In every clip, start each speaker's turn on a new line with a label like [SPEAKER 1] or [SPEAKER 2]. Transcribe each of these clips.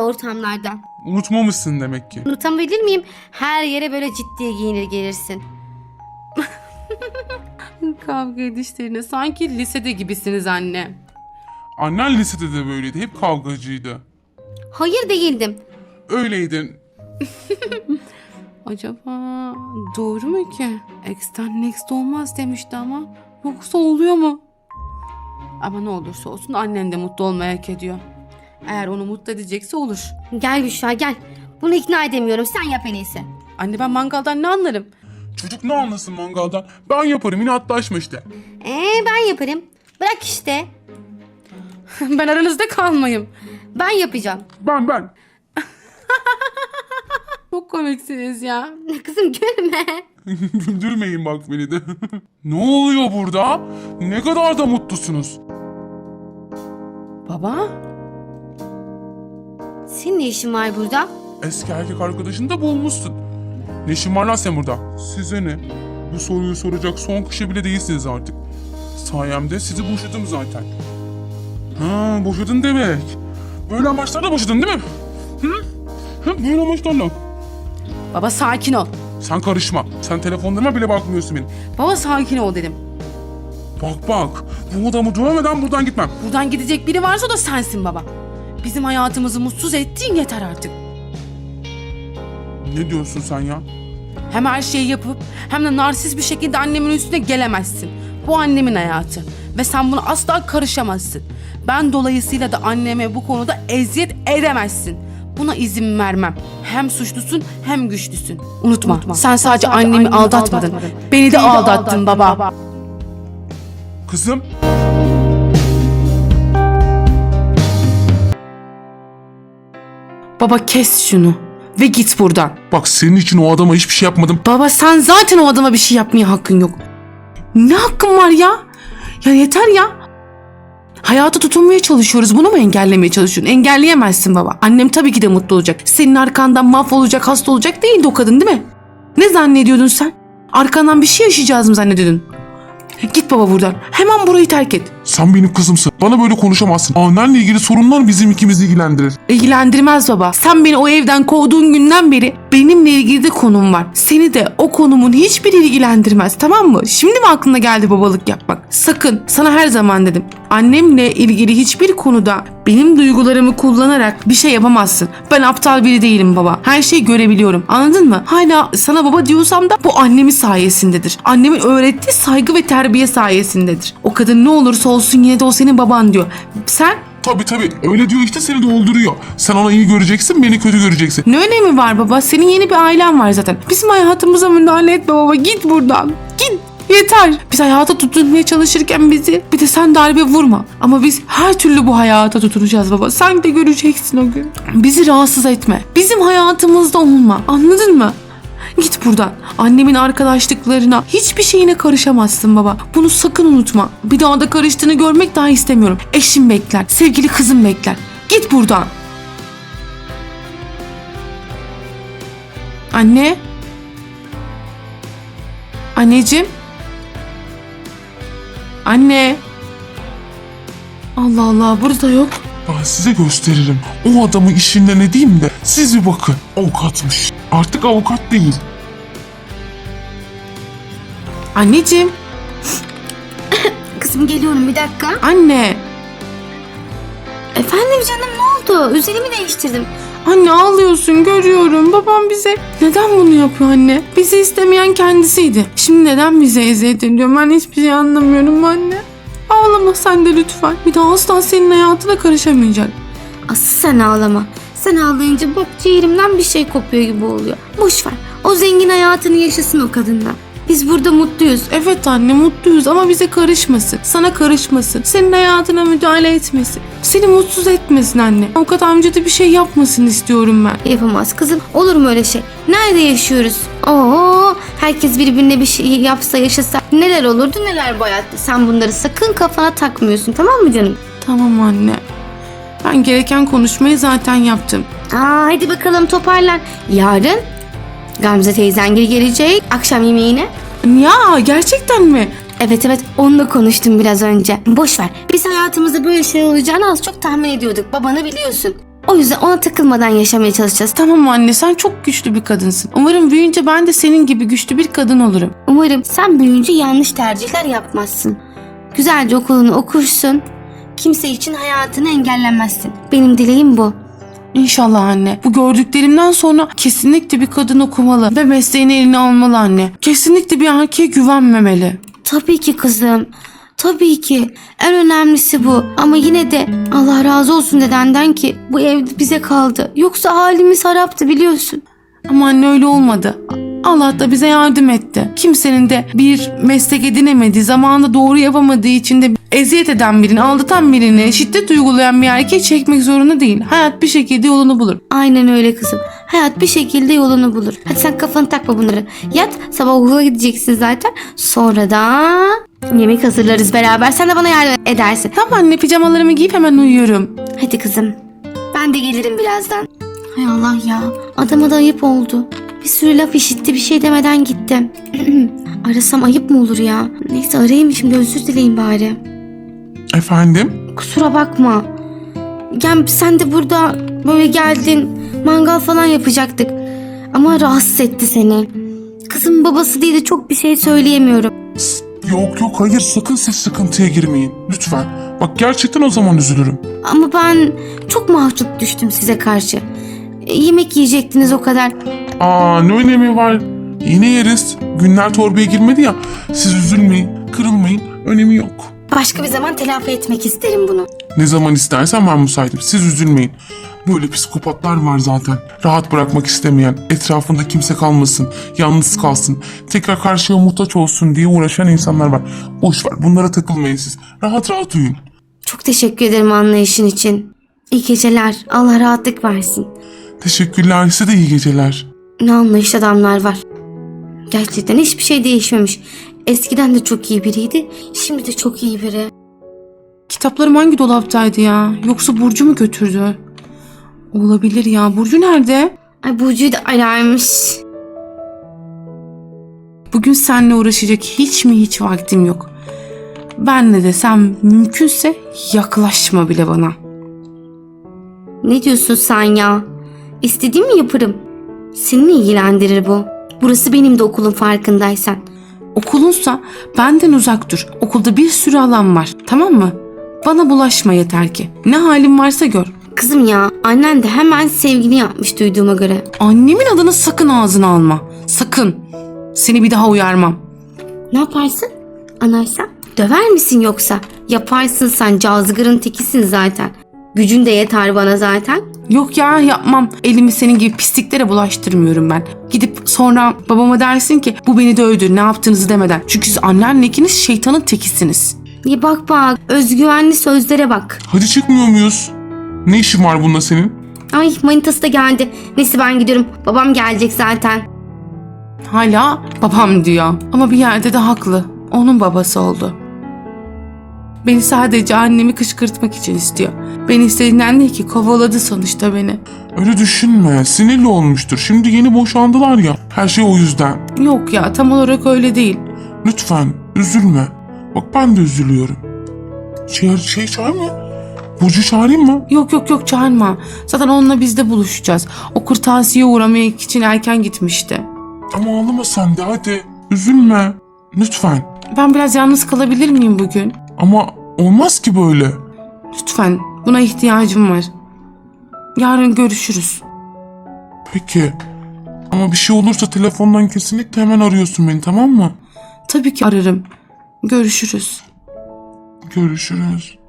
[SPEAKER 1] ortamlarda.
[SPEAKER 2] Unutmamışsın demek ki.
[SPEAKER 1] Unutabilir miyim? Her yere böyle ciddiye giyinir gelirsin.
[SPEAKER 3] Kavga edişlerine sanki lisede gibisiniz anne.
[SPEAKER 2] Annen lisede de böyleydi. Hep kavgacıydı.
[SPEAKER 1] Hayır değildim.
[SPEAKER 2] Öyleydin.
[SPEAKER 3] Acaba doğru mu ki? X'ten next olmaz demişti ama. Yoksa oluyor mu? Ama ne olursa olsun annen de mutlu olmayı hak ediyor. Eğer onu mutlu edecekse olur.
[SPEAKER 1] Gel Büşra gel. Bunu ikna edemiyorum. Sen yap en iyisi.
[SPEAKER 3] Anne ben mangaldan ne anlarım?
[SPEAKER 2] Çocuk ne anlasın mangaldan? Ben yaparım, inatlaşma işte.
[SPEAKER 1] Ben yaparım. Bırak işte.
[SPEAKER 3] Ben aranızda kalmayayım.
[SPEAKER 1] Ben yapacağım.
[SPEAKER 2] Ben.
[SPEAKER 3] Çok komiksiniz ya.
[SPEAKER 1] Kızım gülme.
[SPEAKER 2] Güldürmeyin bak beni de. Ne oluyor burada? Ne kadar da mutlusunuz.
[SPEAKER 3] Baba?
[SPEAKER 1] Senin ne işin var burada?
[SPEAKER 2] Eski erkek arkadaşını da bulmuşsun. Ne işin var lan sen burada? Size ne? Bu soruyu soracak son kişi bile değilsiniz artık. Sayemde sizi boşadım zaten. Ha, boşadın demek. Böyle amaçlarla boşadın değil mi? Böyle amaçlarla.
[SPEAKER 3] Baba sakin ol.
[SPEAKER 2] Sen karışma. Sen telefonlarıma bile bakmıyorsun benim.
[SPEAKER 3] Baba sakin ol dedim.
[SPEAKER 2] Bak. Bu adamı dövmeden buradan gitmem.
[SPEAKER 3] Buradan gidecek biri varsa o da sensin baba. Bizim hayatımızı mutsuz ettiğin yeter artık.
[SPEAKER 2] Ne diyorsun sen ya?
[SPEAKER 3] Hem her şeyi yapıp hem de narsist bir şekilde annemin üstüne gelemezsin. Bu annemin hayatı ve sen buna asla karışamazsın. Ben dolayısıyla da anneme bu konuda eziyet edemezsin. Buna izin vermem. Hem suçlusun hem güçlüsün. Unutma, sen sadece annemi aldatmadın. Beni de aldattın baba.
[SPEAKER 2] Kızım.
[SPEAKER 3] Baba kes şunu ve git buradan.
[SPEAKER 2] Bak senin için o adama hiçbir şey yapmadım.
[SPEAKER 3] Baba sen zaten o adama bir şey yapmaya hakkın yok. Ne hakkın var ya? Ya yeter ya. Hayata tutunmaya çalışıyoruz. Bunu mu engellemeye çalışıyorsun? Engelleyemezsin baba. Annem tabii ki de mutlu olacak. Senin arkandan mahvolacak, hasta olacak değildi o kadın değil mi? Ne zannediyordun sen? Arkandan bir şey yaşayacağız mı zannediyordun? Git baba buradan. Hemen burayı terk et.
[SPEAKER 2] Sen benim kızımsın. Bana böyle konuşamazsın. Annenle ilgili sorunlar bizim ikimizi ilgilendirir.
[SPEAKER 3] İlgilendirmez baba. Sen beni o evden kovduğun günden beri benimle ilgili de konum var. Seni de o konumun hiçbiri ilgilendirmez, tamam mı? Şimdi mi aklına geldi babalık yapmak? Sakın, sana her zaman dedim. Annemle ilgili hiçbir konuda benim duygularımı kullanarak bir şey yapamazsın. Ben aptal biri değilim baba. Her şeyi görebiliyorum. Anladın mı? Hala sana baba diyorsam da bu annemin sayesindedir. Annemin öğrettiği saygı ve terbiye sayesindedir. O kadın ne olursa olsun yine de o senin baban diyor. Sen
[SPEAKER 2] Tabii. Öyle diyor işte, seni dolduruyor. Sen ona iyi göreceksin, beni kötü göreceksin.
[SPEAKER 3] ne önemi var baba? Senin yeni bir ailen var zaten. Bizim hayatımıza müdahale etme baba. Git buradan. Git. Yeter. Biz hayata tutunmaya çalışırken bizi bir de sen darbe vurma. Ama biz her türlü bu hayata tutunacağız baba. Sen de göreceksin o gün. Bizi rahatsız etme. Bizim hayatımızda olma. Anladın mı? Git buradan. Annemin arkadaşlıklarına, hiçbir şeyine karışamazsın baba. Bunu sakın unutma. Bir daha da karıştığını görmek daha istemiyorum. Eşim bekler. Sevgili kızım bekler. Git buradan. Anne. Anneciğim. Anne. Allah Allah, burada yok.
[SPEAKER 2] Ben size gösteririm. O adamı işinden edeyim de siz bir bakın. Avukatmış. Artık avukat değil.
[SPEAKER 3] Anneciğim.
[SPEAKER 1] Kızım geliyorum bir dakika.
[SPEAKER 3] Anne.
[SPEAKER 1] Efendim canım ne oldu? Üzerimi değiştirdim.
[SPEAKER 3] Anne ağlıyorsun, görüyorum. Babam bize neden bunu yapıyor anne? Bizi istemeyen kendisiydi. Şimdi neden bize eziyet ediyor? Ben hiçbir şey anlamıyorum anne. Ağlama sen de lütfen. Bir daha asla senin hayatına karışamayacak.
[SPEAKER 1] Asıl sen ağlama. Sen ağlayınca bak ciğerimden bir şey kopuyor gibi oluyor. Boş ver. O zengin hayatını yaşasın o kadından. Biz burada mutluyuz.
[SPEAKER 3] Evet anne mutluyuz ama bize karışmasın. Sana karışmasın. Senin hayatına müdahale etmesin. Seni mutsuz etmesin anne. Avukat amca da bir şey yapmasın istiyorum ben.
[SPEAKER 1] Yapamaz kızım. Olur mu öyle şey? Nerede yaşıyoruz? Herkes birbirine bir şey yapsa yaşasa neler olurdu neler bu hayatta. Sen bunları sakın kafana takmıyorsun, tamam mı canım?
[SPEAKER 3] Tamam anne. Ben gereken konuşmayı zaten yaptım.
[SPEAKER 1] Hadi bakalım toparlan. Yarın Gamze teyzen gelecek akşam yemeğine.
[SPEAKER 3] Ya gerçekten mi?
[SPEAKER 1] Evet onunla konuştum biraz önce. Boş ver. Biz hayatımızda böyle şey olacağını az çok tahmin ediyorduk. Babanı biliyorsun. O yüzden ona takılmadan yaşamaya çalışacağız.
[SPEAKER 3] Tamam anne, sen çok güçlü bir kadınsın. Umarım büyüyünce ben de senin gibi güçlü bir kadın olurum.
[SPEAKER 1] Umarım sen büyüyünce yanlış tercihler yapmazsın. Güzelce okulunu okursun. Kimse için hayatını engellemezsin. Benim dileğim bu.
[SPEAKER 3] İnşallah anne. Bu gördüklerimden sonra kesinlikle bir kadın okumalı ve mesleğini eline almalı anne. Kesinlikle bir erkeğe güvenmemeli.
[SPEAKER 1] Tabii ki kızım. Tabii ki. En önemlisi bu. Ama yine de Allah razı olsun dedenden ki bu ev bize kaldı. Yoksa halimiz haraptı biliyorsun.
[SPEAKER 3] Ama anne öyle olmadı. Allah da bize yardım etti. Kimsenin de bir meslek edinemediği, zamanında doğru yapamadığı için de eziyet eden birini, aldatan birini, şiddet uygulayan bir erkeği çekmek zorunda değil. Hayat bir şekilde yolunu bulur.
[SPEAKER 1] Aynen öyle kızım. Hayat bir şekilde yolunu bulur. Hadi sen kafanı takma bunları. Yat, sabah okula gideceksin zaten. Sonra da yemek hazırlarız beraber. Sen de bana yardım edersin.
[SPEAKER 3] Tamam anne, pijamalarımı giyip hemen uyuyorum.
[SPEAKER 1] Hadi kızım. Ben de gelirim birazdan. Hay Allah ya. Adama da ayıp oldu. Bir sürü laf işitti, bir şey demeden gitti. Arasam ayıp mı olur ya? Neyse arayayım şimdi, özür dileyim bari.
[SPEAKER 2] Efendim?
[SPEAKER 1] Kusura bakma. Yani sen de burada böyle geldin. Mangal falan yapacaktık. Ama rahatsız etti seni. Kızımın babası diye de çok bir şey söyleyemiyorum.
[SPEAKER 2] Yok hayır, sakın siz sıkıntıya girmeyin. Lütfen. Bak gerçekten o zaman üzülürüm.
[SPEAKER 1] Ama ben çok mahcup düştüm size karşı. Yemek yiyecektiniz o kadar.
[SPEAKER 2] Ne önemi var? Yine yeriz. Günler torbaya girmedi ya. Siz üzülmeyin, kırılmayın. Önemi yok.
[SPEAKER 1] Başka bir zaman telafi etmek isterim bunu.
[SPEAKER 2] Ne zaman istersen ben müsaitim. Siz üzülmeyin. Böyle psikopatlar var zaten. Rahat bırakmak istemeyen, etrafında kimse kalmasın, yalnız kalsın, tekrar karşıya muhtaç olsun diye uğraşan insanlar var. Boş ver, bunlara takılmayın siz. Rahat rahat uyuyun.
[SPEAKER 1] Çok teşekkür ederim anlayışın için. İyi geceler. Allah rahatlık versin.
[SPEAKER 2] Teşekkürler, size de iyi geceler.
[SPEAKER 1] Ne anlayışlı adamlar var. Gerçekten hiçbir şey değişmemiş. Eskiden de çok iyi biriydi. Şimdi de çok iyi biri.
[SPEAKER 3] Kitaplarım hangi dolaptaydı ya? Yoksa Burcu mu götürdü? Olabilir ya. Burcu nerede?
[SPEAKER 1] Ay Burcu'yu da ararmış.
[SPEAKER 3] Bugün seninle uğraşacak hiç vaktim yok. Ben ne desem mümkünse yaklaşma bile bana.
[SPEAKER 1] Ne diyorsun sen ya? İstediğimi yaparım. Seni ilgilendirir bu. Burası benim de okulum, farkındaysan.
[SPEAKER 3] Okulunsa benden uzak dur. Okulda bir sürü alan var. Tamam mı? Bana bulaşma yeter ki. Ne halin varsa gör.
[SPEAKER 1] Kızım ya, annen de hemen sevgili yapmış duyduğuma göre.
[SPEAKER 3] Annemin adını sakın ağzına alma. Sakın. Seni bir daha uyarmam.
[SPEAKER 1] Ne yaparsın? Anarsan? Döver misin yoksa? Yaparsın, sen cazgırın tekisin zaten. Gücün de yeter bana zaten.
[SPEAKER 3] Yok ya, yapmam. Elimi senin gibi pisliklere bulaştırmıyorum ben. Gidip sonra babama dersin ki bu beni dövdü, ne yaptığınızı demeden. Çünkü siz annenle ikiniz şeytanın tekisiniz.
[SPEAKER 1] Ya bak, özgüvenli sözlere bak.
[SPEAKER 2] Hadi çıkmıyor muyuz? Ne işin var bununla senin?
[SPEAKER 1] Ay manitası da geldi. Neyse ben gidiyorum. Babam gelecek zaten.
[SPEAKER 3] Hala babam diyor. Ama bir yerde de haklı. Onun babası oldu. Beni sadece annemi kışkırtmak için istiyor. Beni istediğinden değil ki, kovaladı sonuçta beni.
[SPEAKER 2] Öyle düşünme. Sinirli olmuştur. Şimdi yeni boşandılar ya. Her şey o yüzden.
[SPEAKER 3] Yok ya, tam olarak öyle değil.
[SPEAKER 2] Lütfen üzülme. Bak ben de üzülüyorum. Çağır mı? Burcu çağırayım mı?
[SPEAKER 3] Yok çağırma. Zaten onunla biz de buluşacağız. O kırtasiye uğramak için erken gitmişti.
[SPEAKER 2] Ama ağlama sen de hadi. Üzülme. Lütfen.
[SPEAKER 3] Ben biraz yalnız kalabilir miyim bugün?
[SPEAKER 2] Ama olmaz ki böyle.
[SPEAKER 3] Lütfen, buna ihtiyacım var. Yarın görüşürüz.
[SPEAKER 2] Peki. Ama bir şey olursa telefondan kesinlikle hemen arıyorsun beni, tamam mı?
[SPEAKER 3] Tabii ki ararım. Görüşürüz.
[SPEAKER 2] Görüşürüz.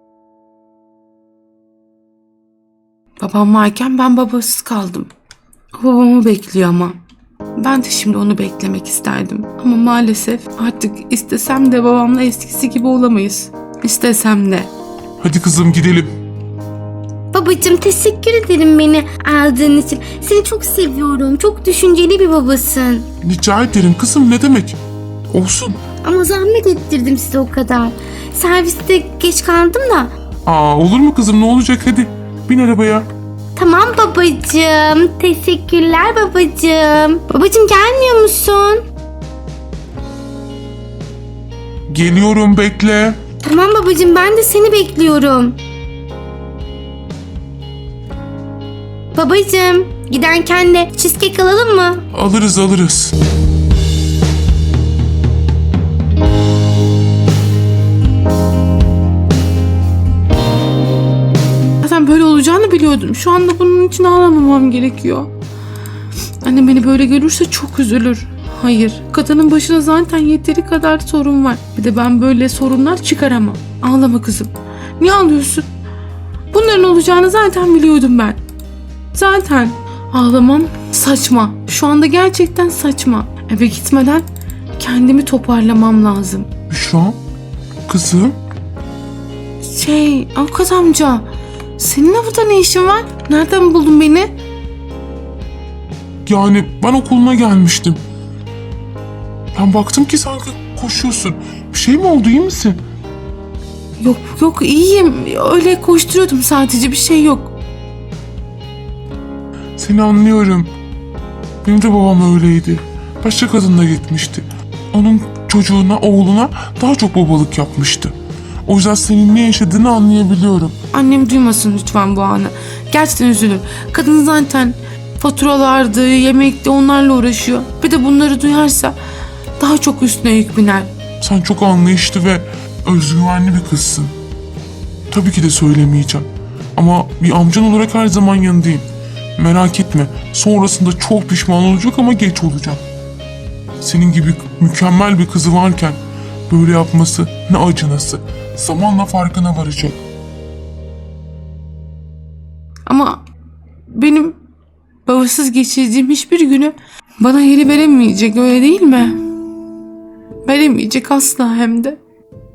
[SPEAKER 3] Babam varken ben babasız kaldım. O babamı bekliyor ama. Ben de şimdi onu beklemek isterdim. Ama maalesef artık istesem de babamla eskisi gibi olamayız. İstesem de.
[SPEAKER 2] Hadi kızım gidelim.
[SPEAKER 1] Babacığım teşekkür ederim beni aldığın için. Seni çok seviyorum. Çok düşünceli bir babasın.
[SPEAKER 2] Rica ederim kızım, ne demek? Olsun.
[SPEAKER 1] Ama zahmet ettirdim size o kadar. Serviste geç kaldım da.
[SPEAKER 2] Olur mu kızım, ne olacak, hadi. Bin arabaya.
[SPEAKER 1] Tamam babacığım. Teşekkürler babacığım. Babacığım gelmiyor musun?
[SPEAKER 2] Geliyorum, bekle.
[SPEAKER 1] Tamam babacığım, ben de seni bekliyorum. Babacığım, giderken de cheesecake alalım mı?
[SPEAKER 2] Alırız.
[SPEAKER 3] Zaten böyle olacağını biliyordum. Şu anda bunun için ağlamamam gerekiyor. Annem beni böyle görürse çok üzülür. Hayır, kadının başına zaten yeteri kadar sorun var. Bir de ben böyle sorunlar çıkaramam. Ağlama kızım. Niye ağlıyorsun? Bunların olacağını zaten biliyordum ben. Zaten ağlamam saçma. Şu anda gerçekten saçma. Eve gitmeden kendimi toparlamam lazım.
[SPEAKER 2] Büşra, kızım.
[SPEAKER 3] Avukat amca, senin burada ne işin var? Nereden buldun beni?
[SPEAKER 2] Yani ben okuluna gelmiştim. Ben baktım ki sanki koşuyorsun. Bir şey mi oldu, iyi misin?
[SPEAKER 3] Yok iyiyim. Öyle koşturuyordum sadece, bir şey yok.
[SPEAKER 2] Seni anlıyorum. Benim de babam öyleydi. Başka kadınla gitmişti. Onun çocuğuna, oğluna daha çok babalık yapmıştı. O yüzden senin ne yaşadığını anlayabiliyorum.
[SPEAKER 3] Annem duymasın lütfen bu anı. Gerçekten üzülür. Kadın zaten faturalardı, yemekti, onlarla uğraşıyor. Bir de bunları duyarsa daha çok üstüne yük biner.
[SPEAKER 2] Sen çok anlayışlı ve özgüvenli bir kızsın. Tabii ki de söylemeyeceğim. Ama bir amcan olarak her zaman yanındayım. Merak etme. Sonrasında çok pişman olacak ama geç olacak. Senin gibi mükemmel bir kızı varken böyle yapması ne acınası. Zamanla farkına varacak.
[SPEAKER 3] Ama benim babasız geçirdiğim hiçbir günü bana geri veremeyecek, öyle değil mi? Veremeyecek asla hem de.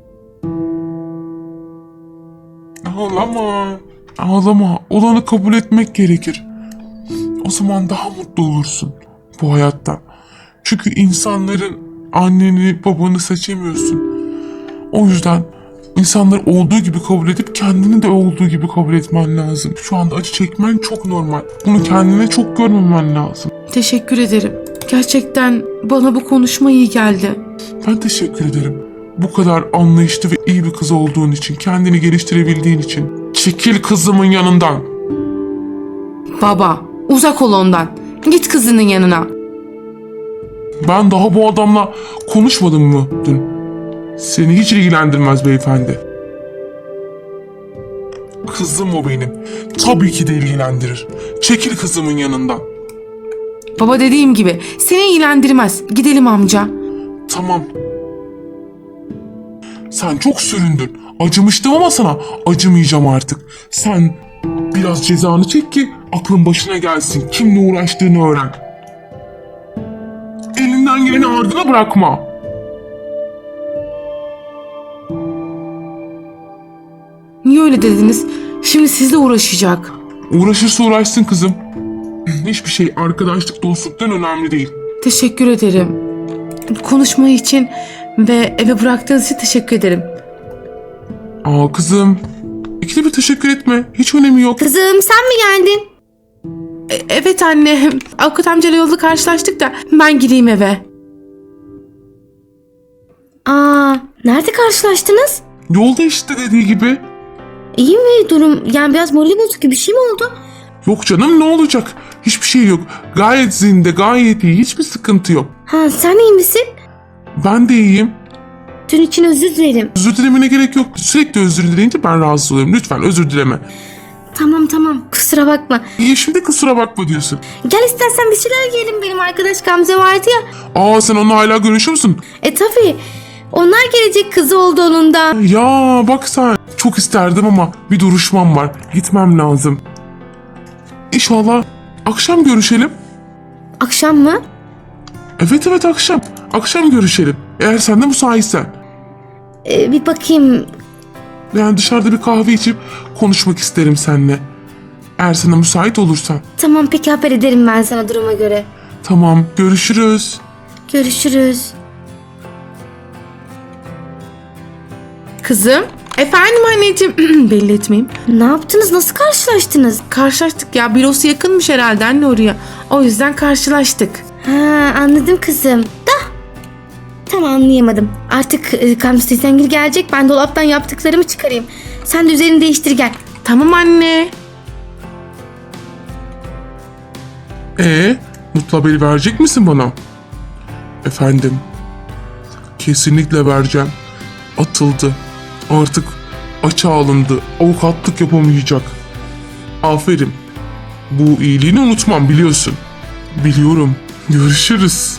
[SPEAKER 2] Ağlama. Olanı kabul etmek gerekir. O zaman daha mutlu olursun bu hayatta. Çünkü insanların anneni, babanı seçemiyorsun. O yüzden insanları olduğu gibi kabul edip kendini de olduğu gibi kabul etmen lazım. Şu anda acı çekmen çok normal. Bunu kendine çok görmemen lazım.
[SPEAKER 3] Teşekkür ederim. Gerçekten bana bu konuşma iyi geldi.
[SPEAKER 2] Ben teşekkür ederim. Bu kadar anlayışlı ve iyi bir kız olduğun için, kendini geliştirebildiğin için. Çekil kızımın yanından.
[SPEAKER 3] Baba, uzak ol ondan. Git kızının yanına.
[SPEAKER 2] Ben daha bu adamla konuşmadım mı dün? Seni hiç ilgilendirmez beyefendi. Kızım o benim. Tabii ki de ilgilendirir. Çekil kızımın yanından.
[SPEAKER 3] Baba, dediğim gibi seni ilgilendirmez. Gidelim amca.
[SPEAKER 2] Tamam. Sen çok süründün. Acımıştım ama sana acımayacağım artık. Sen biraz cezanı çek ki aklın başına gelsin. Kimle uğraştığını öğren. Elinden geleni ardına bırakma.
[SPEAKER 3] Niye öyle dediniz? Şimdi sizle uğraşacak.
[SPEAKER 2] Uğraşırsa uğraşsın kızım. Hiçbir şey arkadaşlık, dostluktan önemli değil.
[SPEAKER 3] Teşekkür ederim. Konuşma için ve eve bıraktığınız için teşekkür ederim.
[SPEAKER 2] Aa kızım. İkide bir teşekkür etme. Hiç önemi yok.
[SPEAKER 1] Kızım, sen mi geldin?
[SPEAKER 3] Evet anne. Avukat amcayla yolda karşılaştık da ben gireyim eve.
[SPEAKER 1] Nerede karşılaştınız?
[SPEAKER 2] Yolda işte dediği gibi.
[SPEAKER 1] İyi mi durum? Yani biraz morali bozuk gibi bir şey mi oldu?
[SPEAKER 2] Yok canım, ne olacak? Hiçbir şey yok. Gayet zinde, gayet iyi. Hiçbir sıkıntı yok.
[SPEAKER 1] Sen iyi misin?
[SPEAKER 2] Ben de iyiyim.
[SPEAKER 1] Dün için özür dilerim.
[SPEAKER 2] Özür dilemene gerek yok. Sürekli özür dileyince ben rahatsız oluyorum. Lütfen özür dileme.
[SPEAKER 1] Tamam, kusura bakma.
[SPEAKER 2] İyi, şimdi kusura bakma diyorsun.
[SPEAKER 1] Gel istersen bir şeyler yiyelim, benim arkadaş Gamze vardı ya.
[SPEAKER 2] Sen onunla hala görüşüyor musun?
[SPEAKER 1] Tabii. Onlar gelecek, kızı oldu onun da.
[SPEAKER 2] Ya bak sen. Çok isterdim ama bir duruşmam var. Gitmem lazım. İnşallah akşam görüşelim.
[SPEAKER 1] Akşam mı?
[SPEAKER 2] Evet akşam. Akşam görüşelim. Eğer sen de müsaitsen.
[SPEAKER 1] Bir bakayım.
[SPEAKER 2] Yani dışarıda bir kahve içip konuşmak isterim seninle. Eğer sana müsait olursan.
[SPEAKER 1] Tamam, peki, haber ederim ben sana duruma göre.
[SPEAKER 2] Tamam, görüşürüz.
[SPEAKER 1] Görüşürüz.
[SPEAKER 3] Kızım. Efendim anneciğim. Belli etmeyeyim.
[SPEAKER 1] Ne yaptınız? Nasıl karşılaştınız?
[SPEAKER 3] Karşılaştık ya. Bürosu yakınmış herhalde anne oraya. O yüzden karşılaştık.
[SPEAKER 1] Anladım kızım. Tam anlayamadım. Artık Gamze teyzengil gelecek. Ben dolaptan yaptıklarımı çıkarayım. Sen de üzerini değiştir gel.
[SPEAKER 3] Tamam anne.
[SPEAKER 2] Mutlu haberi verecek misin bana? Efendim, kesinlikle vereceğim. Atıldı. Artık açığa alındı. Avukatlık yapamayacak. Aferin. Bu iyiliğini unutmam, biliyorsun. Biliyorum. Görüşürüz.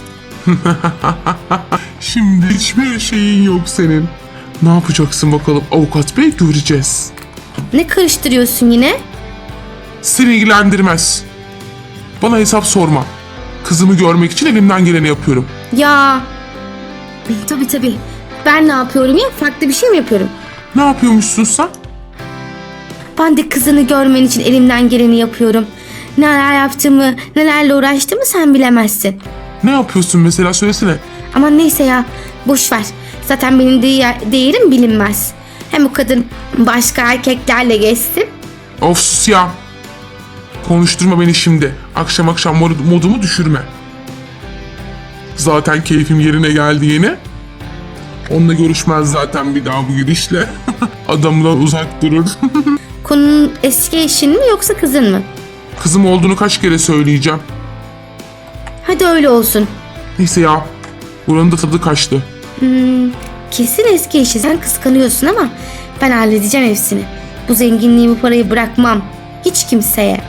[SPEAKER 2] Şimdi hiçbir şeyin yok senin. Ne yapacaksın bakalım avukat bey, göreceğiz.
[SPEAKER 1] Ne karıştırıyorsun yine?
[SPEAKER 2] Seni ilgilendirmez. Bana hesap sorma. Kızımı görmek için elimden geleni yapıyorum.
[SPEAKER 1] Ya. Tabii. Ben ne yapıyorum ya? Farklı bir şey mi yapıyorum?
[SPEAKER 2] Ne yapıyormuşsun sen?
[SPEAKER 1] Ben de kızını görmen için elimden geleni yapıyorum. Neler yaptığımı, nelerle uğraştığımı sen bilemezsin.
[SPEAKER 2] Ne yapıyorsun mesela, söylesene.
[SPEAKER 1] Ama neyse ya, boş ver. Zaten benim değerim bilinmez. Hem o kadın başka erkeklerle geçsin.
[SPEAKER 2] Of sus ya. Konuşturma beni şimdi. Akşam akşam modumu düşürme. Zaten keyfim yerine geldi yine. Onunla görüşmez zaten bir daha bu gidişle. Adamdan uzak durur.
[SPEAKER 1] Konunun eski eşin mi yoksa kızın mı?
[SPEAKER 2] Kızım olduğunu kaç kere söyleyeceğim.
[SPEAKER 1] Hadi öyle olsun.
[SPEAKER 2] Neyse ya. Buranın da tadı kaçtı.
[SPEAKER 1] Kesin eski eşi, sen kıskanıyorsun ama ben halledeceğim hepsini. Bu zenginliği, bu parayı bırakmam. Hiç kimseye.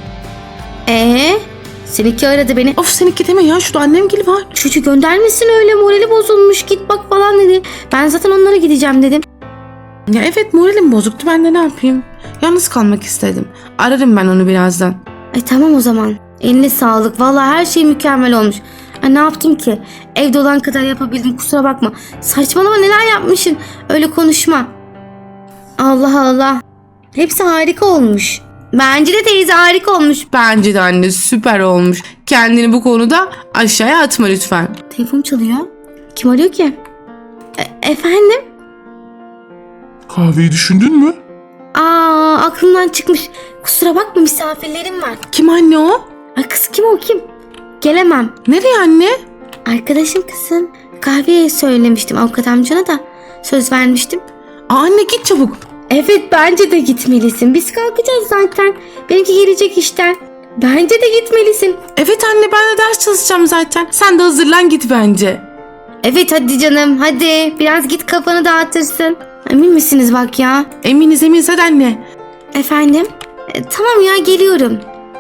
[SPEAKER 1] Seninki aradı beni.
[SPEAKER 3] Of seninki deme ya, şurada annem gibi var.
[SPEAKER 1] Çocuğu göndermesin öyle, morali bozulmuş, git bak falan dedi. Ben zaten onlara gideceğim dedim.
[SPEAKER 3] Ya evet, moralim bozuktu, ben de ne yapayım. Yalnız kalmak istedim. Ararım ben onu birazdan.
[SPEAKER 1] Tamam o zaman. Eline sağlık. Vallahi her şey mükemmel olmuş. Ne yaptım ki? Evde olan kadar yapabildim, kusura bakma. Saçmalama, neler yapmışsın? Öyle konuşma. Allah Allah. Hepsi harika olmuş. Bence de teyze harika olmuş.
[SPEAKER 3] Bence de anne süper olmuş. Kendini bu konuda aşağıya atma lütfen.
[SPEAKER 1] Telefon çalıyor. Kim arıyor ki? Efendim?
[SPEAKER 2] Kahveyi düşündün mü?
[SPEAKER 1] Aklımdan çıkmış. Kusura bakma, misafirlerim var.
[SPEAKER 3] Kim anne o?
[SPEAKER 1] Ay kız, kim o kim? Gelemem.
[SPEAKER 3] Nereye anne?
[SPEAKER 1] Arkadaşım kızım. Kahveye söylemiştim avukat amcana da. Söz vermiştim.
[SPEAKER 3] Anne git çabuk.
[SPEAKER 1] Evet, bence de gitmelisin. Biz kalkacağız zaten. Benimki gelecek işten. Bence de gitmelisin.
[SPEAKER 3] Evet anne, ben de ders çalışacağım zaten. Sen de hazırlan git bence.
[SPEAKER 1] Evet hadi canım, hadi. Biraz git, kafanı dağıtırsın. Emin misiniz bak ya?
[SPEAKER 3] Eminiz hadi anne.
[SPEAKER 1] Efendim? Tamam ya, geliyorum.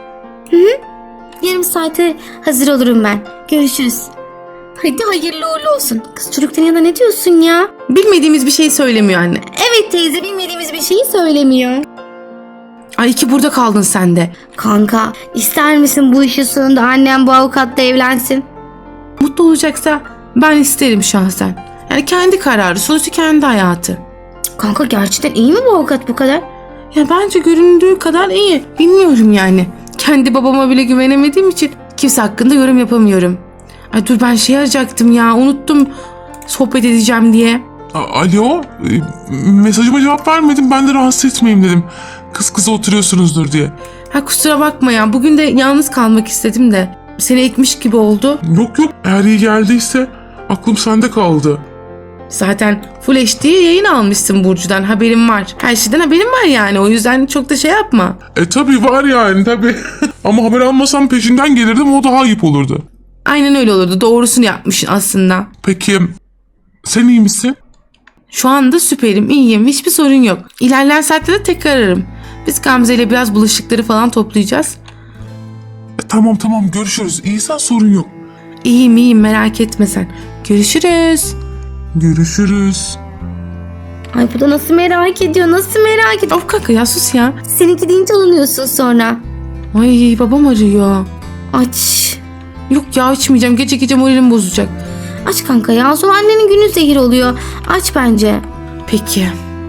[SPEAKER 1] Yarım saate hazır olurum ben. Görüşürüz. Hadi hayırlı uğurlu olsun. Kız, çocukların yanında ne diyorsun ya?
[SPEAKER 3] Bilmediğimiz bir şey söylemiyor anne.
[SPEAKER 1] Evet teyze, bilmediğimiz bir şeyi söylemiyor.
[SPEAKER 3] Ay iki burada kaldın sen de.
[SPEAKER 1] Kanka, ister misin bu işin sonunda annem bu avukatla evlensin?
[SPEAKER 3] Mutlu olacaksa ben isterim şahsen. Yani kendi kararı, sonuçta kendi hayatı.
[SPEAKER 1] Kanka, gerçekten iyi mi bu avukat bu kadar?
[SPEAKER 3] Ya bence göründüğü kadar iyi. Bilmiyorum yani. Kendi babama bile güvenemediğim için kimse hakkında yorum yapamıyorum. Ay dur, ben şey arayacaktım ya, unuttum sohbet edeceğim diye.
[SPEAKER 2] Alo, mesajıma cevap vermedim, ben de rahatsız etmeyeyim dedim. Kız kıza oturuyorsunuzdur diye.
[SPEAKER 3] Ha kusura bakma ya, bugün de yalnız kalmak istedim de. Seni ekmiş gibi oldu.
[SPEAKER 2] Yok eğer iyi geldiyse aklım sende kaldı.
[SPEAKER 3] Zaten Full HD yayın almışsın Burcu'dan, haberim var. Her şeyden haberim var yani, o yüzden çok da şey yapma.
[SPEAKER 2] Tabii var yani tabii. Ama haber almasam peşinden gelirdim, o daha ayıp olurdu.
[SPEAKER 3] Aynen öyle olurdu, doğrusunu yapmışsın aslında.
[SPEAKER 2] Peki sen iyi misin?
[SPEAKER 3] Şu anda süperim, iyiyim, hiçbir sorun yok. İlerleyen saatlerde tekrar ararım. Biz Gamze ile biraz bulaşıkları falan toplayacağız.
[SPEAKER 2] Tamam görüşürüz. İyisen sorun yok.
[SPEAKER 3] İyiyim merak etme sen. Görüşürüz.
[SPEAKER 2] Görüşürüz.
[SPEAKER 1] Ay bu da nasıl merak ediyor, nasıl merak ediyor.
[SPEAKER 3] Of kanka ya, sus ya.
[SPEAKER 1] Seninki deyince alınıyorsun sonra.
[SPEAKER 3] Ay babam arıyor.
[SPEAKER 1] Aç.
[SPEAKER 3] Yok ya, açmayacağım, gece moralim bozacak.
[SPEAKER 1] Aç kanka ya, sonra annenin günü zehir oluyor. Aç bence.
[SPEAKER 3] Peki.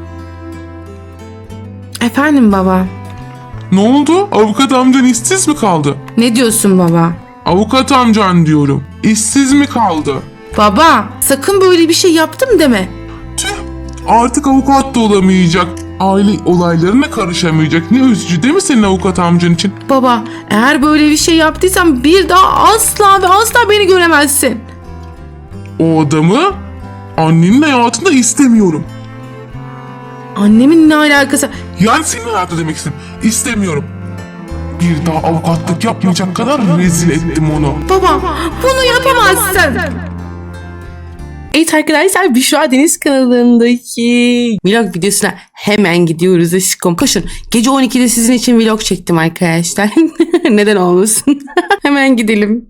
[SPEAKER 3] Efendim baba.
[SPEAKER 2] Ne oldu? Avukat amcan işsiz mi kaldı?
[SPEAKER 3] Ne diyorsun baba?
[SPEAKER 2] Avukat amcan diyorum. İşsiz mi kaldı?
[SPEAKER 3] Baba sakın böyle bir şey yaptım deme.
[SPEAKER 2] Tüh, artık avukat da olamayacak. Aile olaylarına karışamayacak. Ne üzücü değil mi senin avukat amcan için?
[SPEAKER 3] Baba eğer böyle bir şey yaptıysam bir daha asla ve asla beni göremezsin.
[SPEAKER 2] O adamı annenin hayatında istemiyorum.
[SPEAKER 3] Annemin ne alakası?
[SPEAKER 2] Yani senin hayatı demek istedim. İstemiyorum. Bir daha avukatlık yapmayacak kadar rezil ettim onu.
[SPEAKER 3] Baba bunu yapamazsın. Evet arkadaşlar, Büşra Deniz kanalındaki vlog videosuna hemen gidiyoruz aşkım. Koşun, gece 12'de sizin için vlog çektim arkadaşlar. Neden olmasın? Hemen gidelim.